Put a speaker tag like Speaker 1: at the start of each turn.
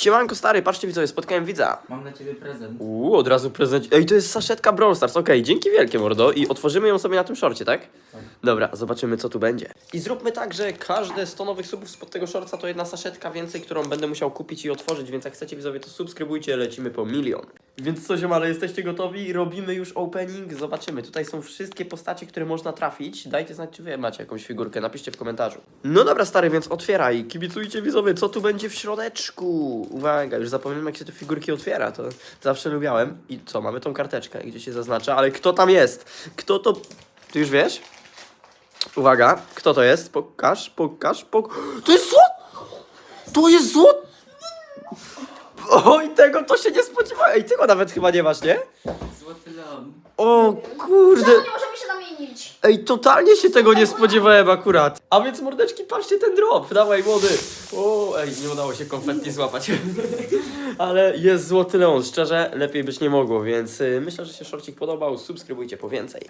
Speaker 1: Siemanko stary, patrzcie widzowie, spotkałem widza.
Speaker 2: Mam dla ciebie prezent.
Speaker 1: Od razu prezent. Ej, to jest saszetka Brawl Stars, okej, dzięki wielkie mordo. I otworzymy ją sobie na tym szorcie, tak?
Speaker 2: Tak.
Speaker 1: Dobra, zobaczymy co tu będzie. I zróbmy tak, że każde 100 nowych subów spod tego szorca to jedna saszetka więcej, którą będę musiał kupić i otworzyć, więc jak chcecie widzowie to subskrybujcie, lecimy po 1 000 000. Więc co ziomale, jesteście gotowi? Robimy już opening, zobaczymy. Tutaj są wszystkie postacie, które można trafić. Dajcie znać, czy wy macie jakąś figurkę, napiszcie w komentarzu. No dobra stary, więc otwieraj. Kibicujcie widzowie, co tu będzie w środeczku. Uwaga, już zapomniałem jak się te figurki otwiera, to zawsze lubiałem. I co, mamy tą karteczkę, gdzie się zaznacza, ale kto tam jest? Kto to... Ty już wiesz? Uwaga, kto to jest? Pokaż. To jest złot! To jest złot! Oj, tego to się nie spodziewałem. Ej, tego nawet chyba nie masz, nie?
Speaker 2: Złoty Leon.
Speaker 1: O kurde.
Speaker 3: Czemu nie możemy się zamienić?
Speaker 1: Ej, totalnie się tego nie spodziewałem akurat. A więc mordeczki, patrzcie ten drop. Dawaj młody. O, ej, nie udało się konfetti złapać. Ale jest złoty Leon, szczerze, lepiej być nie mogło, więc myślę, że się szorcik podobał. Subskrybujcie po więcej.